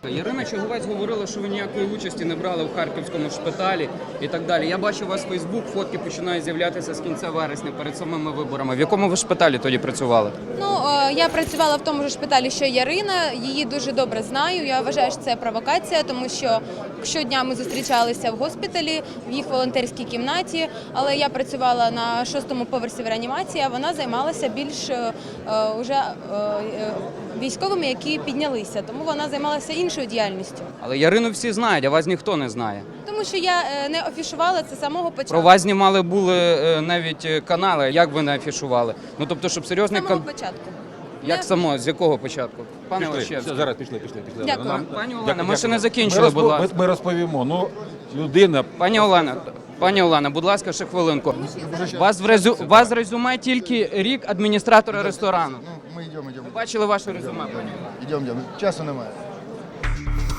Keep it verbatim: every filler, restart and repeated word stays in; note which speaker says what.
Speaker 1: Ярина Чуговець говорила, що ви ніякої участі не брали в харківському шпиталі і так далі. Я бачу у вас в Фейсбук, фотки починають з'являтися з кінця вересня перед самими виборами. В якому ви шпиталі тоді працювали?
Speaker 2: Ну, е, я працювала в тому ж шпиталі, що Ярина. Її дуже добре знаю. Я вважаю, що це провокація, тому що щодня ми зустрічалися в госпіталі, в їх волонтерській кімнаті, але я працювала на шостому поверсі в реанімації, а вона займалася більш е, уже е, е, військовими, які піднялися. Тому вона займалася іншою діяльністю.
Speaker 1: Але Ярину всі знають, а вас ніхто не знає.
Speaker 2: Тому що я е, не афішувала це з самого початку.
Speaker 1: Про вас знімали були е, навіть е, канали. Як ви не афішували? Ну тобто, щоб
Speaker 2: З
Speaker 1: серйозний
Speaker 2: самого
Speaker 1: кан...
Speaker 2: початку.
Speaker 1: Як
Speaker 2: Не-
Speaker 1: само? З якого початку? Пане
Speaker 3: Пішли,
Speaker 1: Олещевський.
Speaker 3: все, зараз пішли, пішли, пішли.
Speaker 2: Дякую.
Speaker 3: Нам-
Speaker 1: Пані Олена,
Speaker 3: Дякую,
Speaker 1: ми ще не
Speaker 3: дякую.
Speaker 1: закінчили,
Speaker 3: Ми
Speaker 1: будь
Speaker 3: розпо-
Speaker 1: ласка.
Speaker 3: Ми, ми розповімо. Ну, людина...
Speaker 1: Пані Олена, пані Олена, будь ласка, ще хвилинку. Вас в резю... вас в резюме тільки рік адміністратора ресторану.
Speaker 4: Ну, мы идем, идем.
Speaker 1: Бачили ваше резюме, пані Олена?
Speaker 4: Идем, идем. Часу немає.